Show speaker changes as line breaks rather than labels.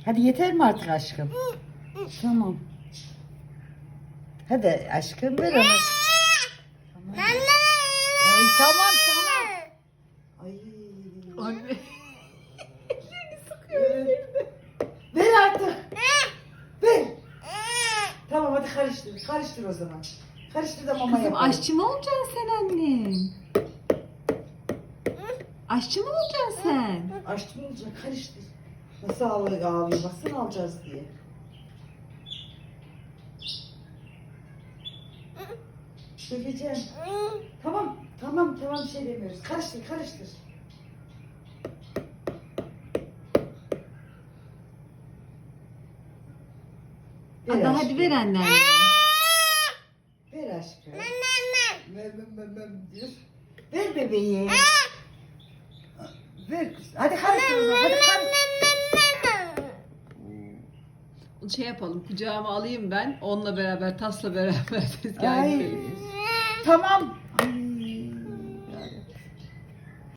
Hadi yeter mi artık aşkım? Tamam. Hadi aşkım ver onu. Tamam. Ay, tamam tamam. Ay.
Anne.
Ver artık. Ver. Tamam hadi karıştır. Karıştır o zaman. Karıştır da mama
Kızım
yapalım.
aşçı mı olacaksın sen annem? Aşçı mı olacaksın sen?
Açtım olacak karıştır. Nasıl ağlıyor baksana alacağız diye. Söyleyeceğim. Tamam tamam tamam bir şey demiyoruz. Karıştır karıştır.
Ada hadi ver anne.
Ver aşkım. Mem diyor. Ver bebeği. Ver kız. Hadi karıştır o zaman. Hadi karıştır.
Şey yapalım, kucağıma alayım ben. Onunla beraber, tasla beraber tezgaha
Ay.
gidelim.
Tamam. Ay.